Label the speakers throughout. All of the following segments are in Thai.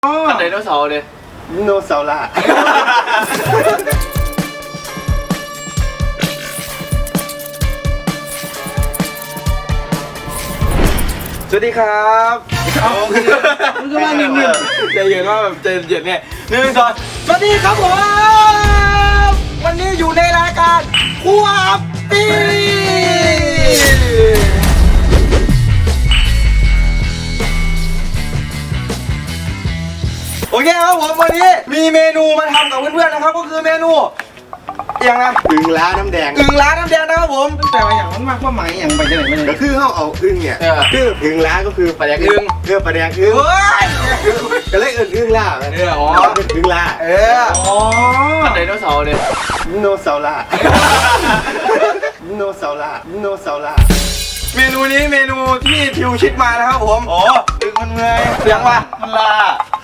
Speaker 1: อันไดโนเสาร์เลย
Speaker 2: โนเสาร์ล่ะสวัสดีครับ
Speaker 1: มันก็มาหนึ่งใจเย็นว่าแบบใจเย็นเนี่ย1 2สวัสดีครับผมวันนี้อยู่ในรายการครัวปีโอเคครับผมวันนี้มีเมนูมาทำกับเพื่อนๆนะครับก็คือเมนูอย่างนะ
Speaker 2: อึ่งล้าน้ำแดง
Speaker 1: อึ่งล้าน้ำแดงนะครับผมแต่ว่าอย่างมันมากว่าหมายอย่างไปที่ไหนไม่ได้
Speaker 2: ก็คือเขาเอาอึ่งเนี่ยคืออึ่งล้าก็คือ
Speaker 1: ปลาแดกอึ่ง
Speaker 2: ปลาแดกอึ่งก็เลยอึ่งล้า
Speaker 1: อ๋อ
Speaker 2: เป็นอึ่งล้า
Speaker 1: อ๋ออันไดโนเสาร์เลย
Speaker 2: โนเสาร์ล่ะโนเสาร์ล่ะโนเสาร์ล่ะ
Speaker 1: เมนูนี้เมนูที่ทิวคิดมานะครับผม
Speaker 2: อ๋ออึ่งมันเมื่อย
Speaker 1: เสียงว่า
Speaker 2: มันลา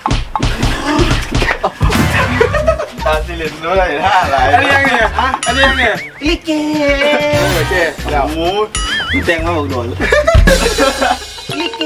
Speaker 2: ตาสิเลนด้วยท่าอะไร
Speaker 1: อันนี้ยังไงอันนี้ยังไง
Speaker 2: ลิเก
Speaker 1: โอเคแล้ว
Speaker 2: หมูแตงมาบอกโดนลิเก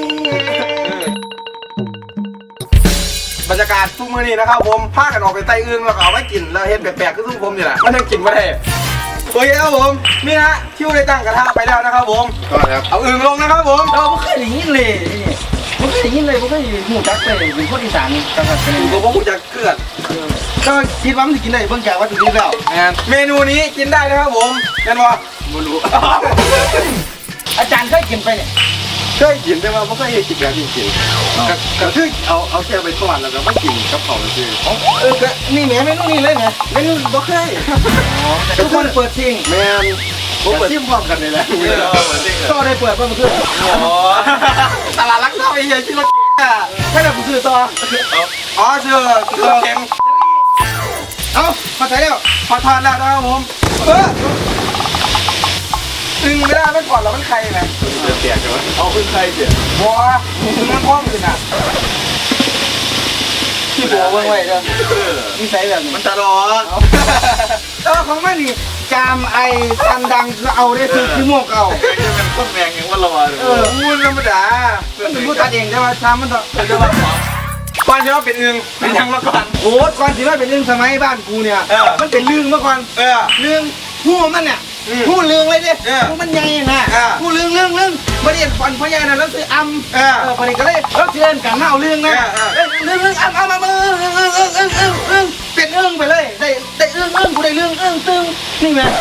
Speaker 1: บรรยากาศทุ่งมือนี้นะครับผมพากันออกไปไต่อึ่งแล้วก็เอาไว้กินแล้วเห็นแปลกๆคือทุ่งผมนี่แหละมันยังกินไม่ได้โอเคครับผมนี่ฮะทิวได้ตั้งกระทะไปแล้วนะครับผม
Speaker 2: ก็ครับ
Speaker 1: เอาอึ่งลงนะครับผม
Speaker 3: เราไม่เคยได้ยินเลยไม่เคยได้ยินเลยไม่เคยหูจักเลยเป็นคนอีสานจังหวัดเป็น
Speaker 1: ผมก็พูดจะเกลือน
Speaker 3: ก็คิดว่ามันจะกินได้เบิ่งจากวัตถุดิบแล้ว
Speaker 1: เมนูนี้กินได้นะครับผมเห็นป่ะ
Speaker 2: ไม่รู้
Speaker 3: อาจารย์เคยกินไปเนี่ย
Speaker 2: เคยกินได้ว่าไม่เคยกินแบบจริงๆก็คือเอาแค่ไปทอดแล้วก็มากินกับเขาเลยคือ
Speaker 3: ก็นี่แหมเมนูนี้เลยไงเมนูบ่เคยทุกคนเปิดซิง
Speaker 2: แมนผมเปิดซิมพร้อมกันเลยแหละ
Speaker 3: ก็ได้เปิดเมื่อคืน
Speaker 1: ตลาดรักทรัพย์ไอ้เหี้ยที่เราเก่งอ่ะ
Speaker 3: แค่ไหนผมซื้อต่อ
Speaker 1: อ๋อเชื่อเค็มเอาพอใช้แล้วพอทานแล้วนะครับผมตึงไม่ได้ไม่ก่อนแล้วมันใครไง
Speaker 2: เสียใช่ไหมเอาขึ้นใครเสีย
Speaker 1: บัวตึงมันคล้องขึ้นอ่ะ
Speaker 3: ที่บัวเบิ่งไว้เด้อนิสัยแบบนี้
Speaker 2: มันตลอด
Speaker 3: ของมันนี่จามไอตันดังก็เอาได้คือขี้โมกเอา
Speaker 2: จะเป็นต้นแมงอย่างว่าเรา
Speaker 1: มูนธรรมดา
Speaker 3: มันเป็นผู้ตัดเองใช่ไหมชามมันต้อง
Speaker 1: ก่อนที่ว่าเป็นอึ่งเป็นยังมาก่อน
Speaker 3: โอ้ก่อนที่ว่าเป็นเรื่องสมัยบ้านกูเนี่ยมันเป็นเรื่องเมื่อก่อนเรื่องหูมันเนี่ยหูเรื่องเลยดิหูมันใหญ่นะหูเรื่องประเดี๋ยวฟันพ่อใหญ่นะแล้วซื้อประเดี๋ยวก็เลยแล้วเชิญกันเอาเรื่องนะเรื่องเอามาเป็นเรื่องไปเลยได้เรื่องกูได้เรื่องตึงนี่ไง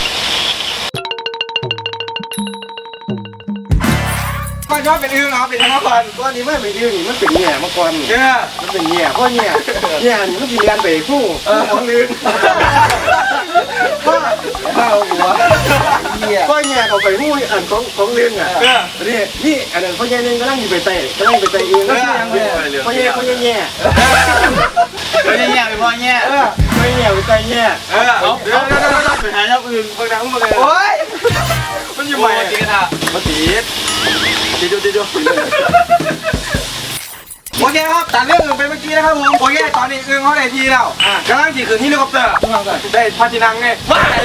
Speaker 1: ก่อนที่ว่าเป็นอึ่งเป็นยังมาก่อน
Speaker 2: ก้อนนี้ไม่เป็นอึ่งมันเป็นแง่มาก่อนมันเป็นแง่เพราะแง่นี่มันกินกันไปคู่ของลึก
Speaker 3: ข้าวหัว
Speaker 2: ก็แง่เขาไปคู่อันของลึกอ่ะนี่อันนั้นเขาแง่นึงก็นั่งอยู่ไปเตะอึ่งเขาแง่
Speaker 3: แง่เป็นพ่อแง่
Speaker 2: ไม่แง่ไปเตะแง่
Speaker 1: เอาเดี๋ยว
Speaker 2: ไปหาอย่างอื่นบางครั้งบางครั้ง
Speaker 1: โอ้ยมันอยู่ใหม่จริงอ่ะ
Speaker 2: มาตีดู
Speaker 1: โอเคครับตัดเรื่องอื่นไปเมื่อกี้นะครับผมโอเคตอนนี้อึ่งเขาได้ทีแล้วกำลังขี่ขึ้นเฮลิคอปเตอร์ได้พาทินังไงว้าย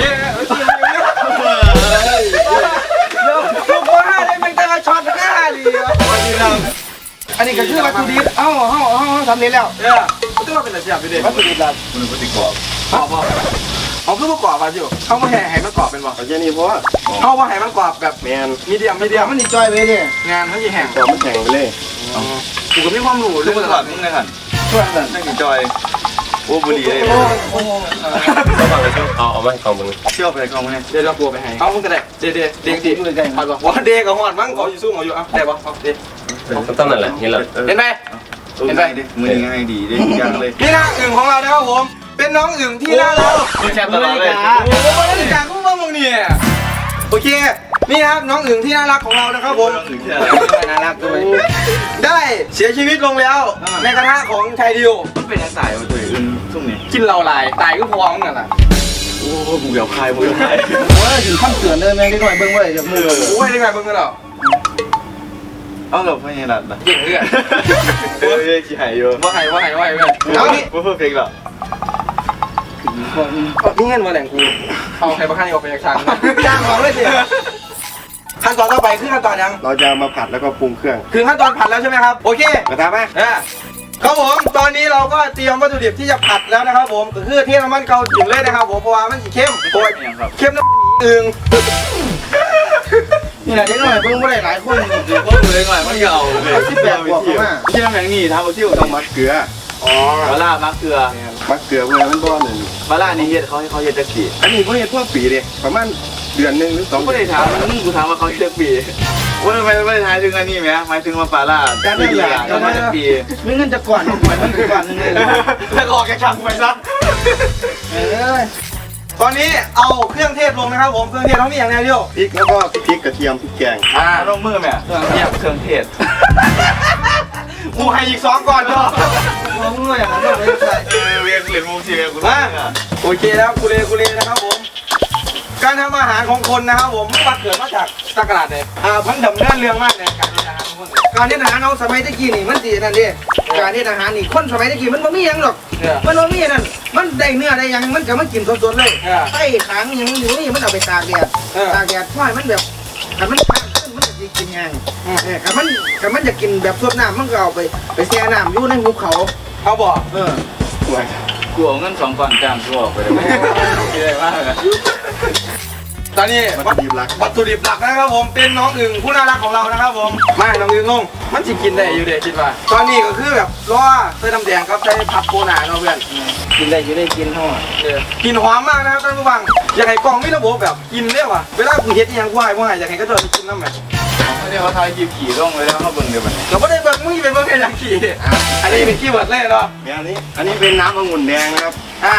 Speaker 1: ลูกว่าได้เป็นแต่ละช็อต5เลยอันนี้ก็คือวัตถุดิบสำเร็จแล้วคือว่าเป็นอะไรไปเด็ด
Speaker 2: วัตถุดิบลับ
Speaker 1: มันวัตถุดิบกรอบเขาคือประกอบมาอยู่เขามาแห่มันกรอบเป็นบ่
Speaker 2: แค่นี้เพราะว่า
Speaker 1: เขามาแห่มันกรอบแบบ
Speaker 2: แมน
Speaker 1: มีเดียม
Speaker 3: มันนี่จอยไปดิ
Speaker 1: งานเขาจะแห่ง
Speaker 2: ตัวมันแข่งไปเลย
Speaker 1: กูก็มีความรู้เรื่องตลอดมึงเลยค่ะ
Speaker 3: ช่วยกัน
Speaker 2: นั่งจอยโอ้บุหรี่เลยระวังเลยเอามาให้เขามึง
Speaker 1: เชี่ยวไปกองมึงเนี่ยเดี๋ยวเรากลัวไปให้เอามึงก็ได้เด็กทีพอดบอกว่าเด็กกับหอดมั้งเขาอยู่สู้เขาอยู่อ่ะได้ปะเด็ก
Speaker 2: ต้องนั่นแหละนี่แหละ
Speaker 1: เห็นไหม
Speaker 2: มือง่ายดีได้ยังเลย
Speaker 1: นี่นะอึ่งของเรานะครับผมเป็นน้องอึ่งที่น่ารัก
Speaker 2: แชร์ตลอดเลย
Speaker 1: โอ้โหบริการคู่บ้างมึงเนี่ยโอเคนี่ครับน้องอึ่งที่น่ารักของเรานะครับผม
Speaker 3: น่ารักด้วย
Speaker 1: ได้เสียชีวิตลงแล้วในกระทะของชายดิว
Speaker 2: มันเป็นยังไงวะตัวอึ่งช่วงนี้
Speaker 1: กินเราลายตายก็พอมึงกันล่ะ
Speaker 2: โอ้บุกเดี่ยวคายโ
Speaker 3: อ้ยถึงขั้นเตือนเลยแม่ได้หน่อยเบิ้งไว้จากมือ
Speaker 1: โอ้ยได้ไงเบิ้งกันหรอ
Speaker 2: เอาหลบไม่เห็นหรอ
Speaker 1: เก่งเลย
Speaker 2: โอ้ยขี้หายเยอะ
Speaker 1: ว่าหายเว้ย
Speaker 2: เอาดิว่าเพิ่งเพลงหรอ
Speaker 1: นี่เงินมาแหล่งกูเอาใครมาฆ่านี่ออกไปจากช่างจ้างเขาเลยสิขั้นตอนต่อไปคือขั้นตอนยัง
Speaker 2: เราจะมาผัดแล้วก็ปรุงเครื่อง
Speaker 1: คือขั้นตอนผัดแล้วใช่ไหมครับโอเค
Speaker 2: กระทะไหม
Speaker 1: ครับผมตอนนี้เราก็เตรียมวัตถุดิบที่จะผัดแล้วนะครับผมก็คือเทน้ำมันเกาถึงเลยนะครับผมเพราะว่ามันสีเข้มโอ้ยเข้มน้ำอึ่ง
Speaker 3: นี่แหละเด็กหน่อยเพิ่งไม่ได้หลายคน
Speaker 2: ก็เลยหน่อยมันเอาเลย
Speaker 3: 18 บวกมา
Speaker 2: ที่น้ำแข็งนี่ทำเอาที่ต้องมัดเกลือ
Speaker 1: อ๋อ
Speaker 4: ปลาล่ามักเกลือ
Speaker 2: มัดเกลือเพื่อมันบ่หนึ่ง
Speaker 4: ปลาล่านี่เฮ็ดเขาเฮ็ดจักปี
Speaker 2: อันนี้เขาเห็นทั่วปีเลยประมาณเดือนหนึ่งหรือ2
Speaker 4: ไม่ได้ถามมึงกูถามว่าเขาเฮ็ดจักปีว่าทำไมไม่ได้ถามถึงอันนี้ไหมหมายถึงว่าปลาล่าไม่ดีอ่ะเขามาจักปี
Speaker 3: ไม่เงินจะก่อนเหมือนมันก่อนนึงเลย
Speaker 1: แล้วก็ออกแกช่างไปซะ
Speaker 3: เอ้ย
Speaker 1: ตอนนี้เอาเครื่องเทศลงนะครับผมเครื่องเทศเขามีอย่างไรเดียว
Speaker 2: พริกแล้วก็พริกกระเทียมพริกแกง
Speaker 4: ลงมือแม่เครื่องเทศ
Speaker 1: กูให้อีก2ก่อนเถอะ
Speaker 3: มองว่าอย่างนั้นต้องไปใส่
Speaker 4: เวียนเหรียญมุมสีเวียนกู
Speaker 1: มาโอเคแล้วกูเลนะครับผมการทำอาหารของคนนะครับผมมันเกิดมาจากตะกร้าเนี่ยพันดำเนินเรื่องมากในการทำอาหารของคน
Speaker 3: การเทศอาหารเอาสมัยตะกี้นี่มันดีนั่นดิการเทศอาหารนี่คนสมัยตะกี้มันบ่มีหยังหรอกมันบ่มีนั่นมันได้เนื้อได้ยังมันก็มากินสดๆเลยไส้ขางยังอยู่นี่มันเอาไปตากแดดพ่อยมันแบบถ้ามันข้างขึ้นมันจะกินยังถ้ามันจะกินแบบสดน้ำมันก็เอาไปแช่น้ำอยู่ในหุบเขา
Speaker 1: เขาบอก
Speaker 2: สวย
Speaker 4: กูเอาเงิน2 ก้อนจ้างกูออกไปเลยได้มากเลย
Speaker 1: ตอนนี้
Speaker 2: วัตถุดิบหลัก
Speaker 1: วัตถุดิบหลักนะครับผมเป็นน้องอึ่งผู้น่ารักของเรานะครับผมมาน้องอึ่งลงมันสิกินได้อยู่เด็คิดว่าตอนนี้ก็คือแบบรอใส่น้ำแดงกับใส่ผักโบนาเนาะเพื่อน
Speaker 3: กินได้อยู่ได้กินห่อ
Speaker 1: กลินหอมมากนะครับท่านผู้ฟังอยากให้กล่องไม่ระบบแบบกินเรียกว่าเวลากูเฮ็ดอหยังกูให้อยากให้ก็เจอกินน้ำแบบ
Speaker 4: ไม่ได้เขาทายขี่ลงเลยแล้วเขาเบิ่งเดี๋ยวมัน
Speaker 1: เราไม่ได้เบิ่งมึงเป็นเบิ่งแค่อย่างขี่อันนี้เป็นคีย์เวิร์ดเลยเนาะ
Speaker 2: เนี่ยอันนี้เป็นน้ำองุ่นแดงนะครับ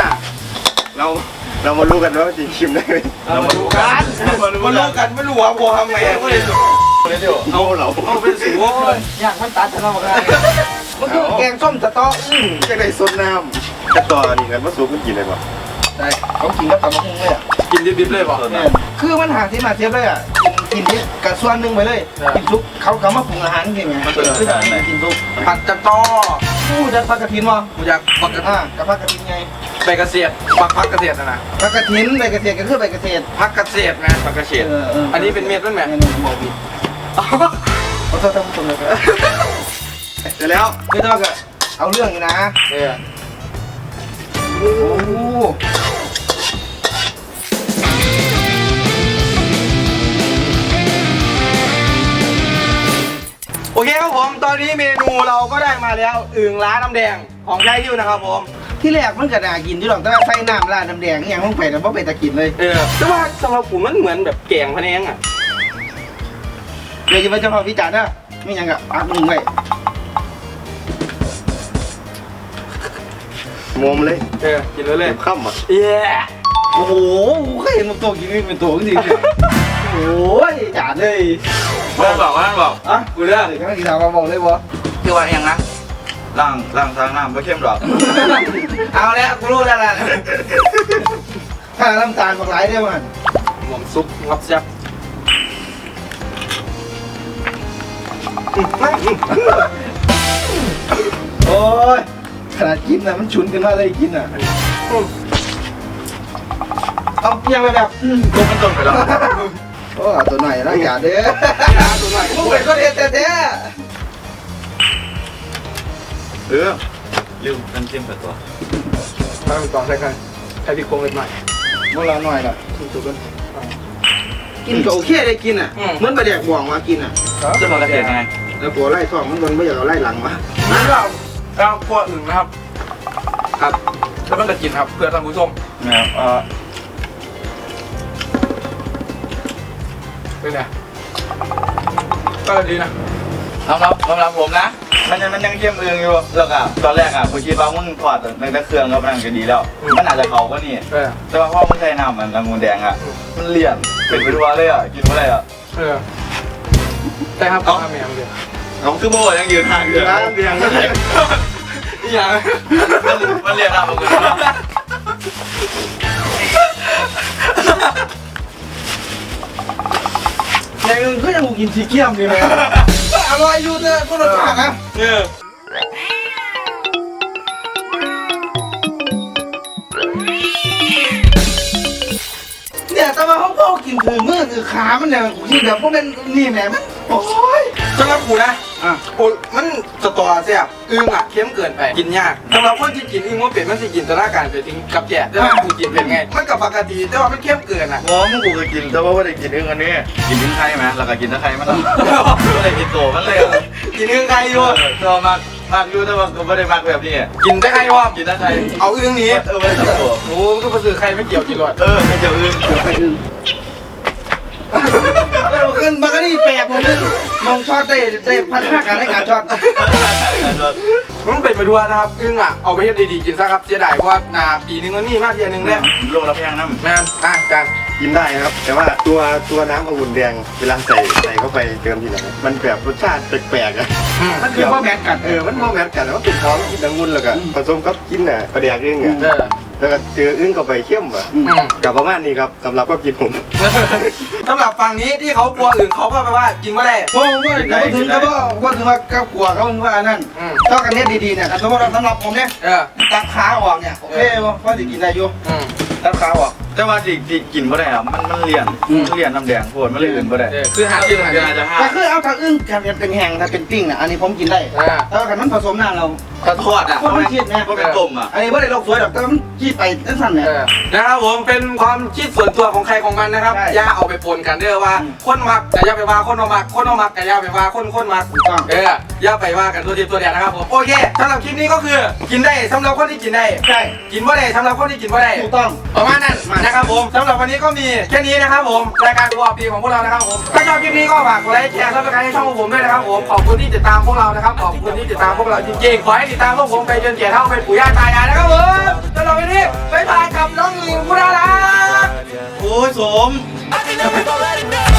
Speaker 2: เรามารู้กันว่าจะชิมได้ไหม
Speaker 1: เรามาดูกันมาดูกันไม่รู้ว่าบัวทำไงไม่ได้สุด
Speaker 2: เอาเรา
Speaker 1: เอาเป็นสูงเลย
Speaker 3: ย่างมันตัดทะเลาะกันมันคือแกงส้มสต๊อกอึ้ง
Speaker 2: จะได้ซดน้ำจะต่อนี่กันว่าสูบมันกินอะไรบ้าง
Speaker 3: ใช่เขากินกับตำบักหุ่งเลยอ่ะ
Speaker 1: กินดิบๆเลยป่ะ
Speaker 3: คือมันหาที่มาเทียบเลยอ่ะกินที่กับส่วนหนึ่งไปเลยกินทุกเขามาปรุงอาหารจริงไงคือกินทุก
Speaker 1: ผัดจับต้อ
Speaker 3: ผู้จะผักกระถินวะ
Speaker 1: กูอยากปักกระ
Speaker 3: กับผักกระถินไง
Speaker 1: ใบกระเสียดปักพักกระเสียดนะ
Speaker 3: ผักกระถินใบกระเทียมก็คือใบกระเทียม
Speaker 1: พักกระเสียดนะปักกระเสียดอันนี้เป็นเม็ดมันแหม
Speaker 3: นี่บอกผิดขอโทษท่านผู้ชมเลยครับ
Speaker 2: เสร็จแล้ว
Speaker 3: ไม่ต้องก็เอาเรื่องอยู่นะ
Speaker 1: เนี่ย
Speaker 3: โอ้โห
Speaker 1: โอเคครับผมตอนนี้เมนูเราก็ได้มาแล้วอึ่งล้าน้ำแดงของชายฮิวนะครับผม
Speaker 3: ที่แรกมันก็น่ากินที่หรอกแต่ว่าใส่น้ำราดน้ำแดงอย่างลงไปแต่ว่าไปตะกินเลย
Speaker 1: แต่ว่าสำหรับผมมันเหมือนแบบแกงพะแนงอ่ะ
Speaker 3: เดี๋ยวจะไปเจ้าพ่อพิจารณ์นะไม่ยังกับปากมึงไว้
Speaker 2: งมเลย
Speaker 1: กินเลยเลย
Speaker 2: เก็บข้ามอ่ะ
Speaker 1: เย้
Speaker 3: โอ้โหเคยเห็นมันตัวกินนี่เป็นตัวจริงๆโอ้ยจานเลย
Speaker 4: บอกว่าบอก
Speaker 3: อ่ะ
Speaker 4: กูเลือก
Speaker 3: เดี๋ยวก็กินเอามาบอกเลยวะ
Speaker 4: คือว่าอย่างนะล่างทางน้ำไม่เข้มหรอก
Speaker 3: เอาแล้วกูรู้แล้วล่ะถ้าน้ำตาลบอกหลายได้มัน
Speaker 1: หอมซุปงับแซ่บ
Speaker 3: โอ้ยขนาดกินน่ะมันฉุนกันมาเลยกินน่ะเอาเพียงไปแบบ
Speaker 4: ตัวมันตนไปแล้ว
Speaker 3: โอ้ตัวหน่อยนะอย่าเด้อ
Speaker 1: ตัวหน่อย
Speaker 3: มึงเป็นคนเฮ็ดแท้
Speaker 4: ลืมน้ำจิ้มกับตัว
Speaker 1: ตั้งต่อใส่กันใส่พริกโคงเล็กหน่อย
Speaker 3: ๆมึงละหน่อยล่ะถูกๆกันกินก็โอเคได้กินอ่ะเหมือนปลาแดกบ่วงมากินอ่ะ
Speaker 4: จะมากระเทียมไง
Speaker 3: แล้วผัวไล่ท้องมันไม่อยากเอาไล่หลังมา
Speaker 1: นี่เราคั่วอึ่งนะครับครับแล้วมันจะกินครับเพื่อท่านผู้ชม
Speaker 4: นะครับ
Speaker 1: เป็นไงก็ดีนะ
Speaker 4: สำหรับผมนะมันยังเข้มเอืองอยู่แล้วก็ตอนแรกอ่ะผมคิดว่ามึงถอดในเครื่องก็มันก็ดีแล้วมันอาจจะเขาก็นี่แต่ว่าพอมึงใส่น้ำมันองุ่นแดงอ่ะมันเลี่ยนเป็นไปทั่วเลยอ่ะกินอะไรอ่ะ
Speaker 1: แต่ครับเอาแมวเดียว
Speaker 4: ผมคือโบยังยืนห่างอยู่นะ
Speaker 2: น้ำเดียง
Speaker 1: อย่าง
Speaker 4: มันเลี่ยนน้ำองุ่น
Speaker 3: อย่างนึงก็ยังกูกินสีเขียวอยู่เลยอร่อยอยู่เนอะก็รสชาตินะเนี่ยแต่ว่าเขากินถือมือถือขามันเนี่ยกูคิดแบบพวกเป็นนี่แหมมันโอ้ย
Speaker 1: สำหรับกูนะโอ้มันสตอแซ่บอึ้งอ่ะเค็มเกินไปกินยากสำหรับคนที่กินอึ้งว่าเป็ดมันสิกินตนาการไปถึงกับแก่แต่ว่ากูกินเป็นไงมันกับปกติแต่ว่ามันเค็มเกินอ่ะ
Speaker 4: หมอมึงกูก็กินแต่ว่าไม่ได้กินอึ่งอันนี้กินอึ่งไข่ไหมแล้วก็กินตะไคร้มันไม่ได้กินโตมันเลย
Speaker 1: กินอึ้งไข่อยู่
Speaker 4: ตัวมากอยู่แต่ว่ากูไม่ได้มากแบบนี้
Speaker 1: กินได้ไข่วะ
Speaker 4: กินตะไคร้
Speaker 1: เอาอึ้งนี้
Speaker 4: ไม่ได้ตัว
Speaker 1: โอ้ก็มาซื้อไข่ไม่เกี่ยวกินหรอก
Speaker 4: ไม่เจออึ่ง
Speaker 3: ขึ้นมาก็นี่แปลกผมนึงมองช็อตได้พัฒนาการในการช็อต
Speaker 1: มันเป็นไปทั่วนะครับอึ้งอ่ะเอาไปให้ดีๆกินซะครับเสียดายเพราะว่านาปีนึงมันมีมากเทียนึงเนี่ย
Speaker 4: โลละแพงน้ำ
Speaker 1: แม่จาน
Speaker 2: กินได้ครับ แต่ว่าตัวน้ำองุ่นแดงเวลาใส่เข้าไปเติมทีหลังมันแบบรสชาติแปลกๆอ่ะ
Speaker 3: มันคือพ่อแมนกัน
Speaker 2: มันโมแมนกันว่าเป็นท้องกินองุ่นแล้วก็ผสมกับกินน่ะประเดี๋ยวอึ้งอ่ะแล้วก็เจออึ้งเข้าไปเข้มอ่ะกับประมาณนี้ครับสำหรับก็กินผม
Speaker 1: สำหรับฝั่งนี้ที่เขากลัวอื่นเขาก็แปลว่ากินไม่ได้
Speaker 3: ผมว่าถึงก็ว่าถึงว่ากับกลัวเขาว่านั่นต้องกันเนี้ยดีๆเนี่ยสมมติสำหรับผมเนี่ยตัดขาออกเนี่ยโอเคพอจะกินได้อยู่ตัดขาออก
Speaker 4: แต่ว่าที่กินไม่ได้อะมันเลี่ยนน้ำแดงโผล่มันเลยอื่นไม่ได้
Speaker 1: คือหากินหากิน
Speaker 4: จะห้า
Speaker 3: แต่คือเอาถ้าอึ้งกันเป็นแห้งถ้าเป็นปิ้งอ่ะอันนี้ผมกินได้แต่ว่ามันผสมน้ำเรา
Speaker 4: กระทอดอ่ะ
Speaker 3: เพราะมันคิดนะ
Speaker 4: ก็เป็นต้มอ่ะ
Speaker 3: อันนี้ว่าได้โลกสวยหรอกแต่มันคิดไปสั้นๆเนี่ย
Speaker 1: นะครับผมเป็นความคิดส่วนตัวของใครของมันนะครับ
Speaker 3: ใช่
Speaker 1: อย่าเอาไปปนกันเด้อว่าคนมักแต่อย่าไปว่าคนบ่มักคนบ่มักแต่อย่าไปว่าคนมักอย่าไปว่ากันตัวทีตัวเดียวนะครับผมโอเคสำหรับคลิปนี้ก็คือกินได้สำหรับคนที่กินได้
Speaker 3: ใช่
Speaker 1: กินบ่ได้สำหรับคนที่กินบ่ได้
Speaker 3: ถูกต้อง
Speaker 1: ประมาณนั้นนะครับผมสำหรับวันนี้ก็มีแค่นี้นะครับผมรายการครัวปีของพวกเรานะครับผมถ้าชอบคลิปนี้ก็ฝากกดไลค์แชร์ซับสไครต์ให้ช่องของผมด้วยนะครับผมขอบคุณที่ติดตามพวกเรานะครับขอบคุณที่ติดตามพวกเราจริงๆขอให้ติดตามพวกผมไปจนแก่เท่าเป็นปู่ย่าตายายนะครับผมสำหรับวันนี้บ๊ายบายกับน้องหญิงผู้น่ารัก
Speaker 4: โอ้ยสม
Speaker 5: I can never go let it down.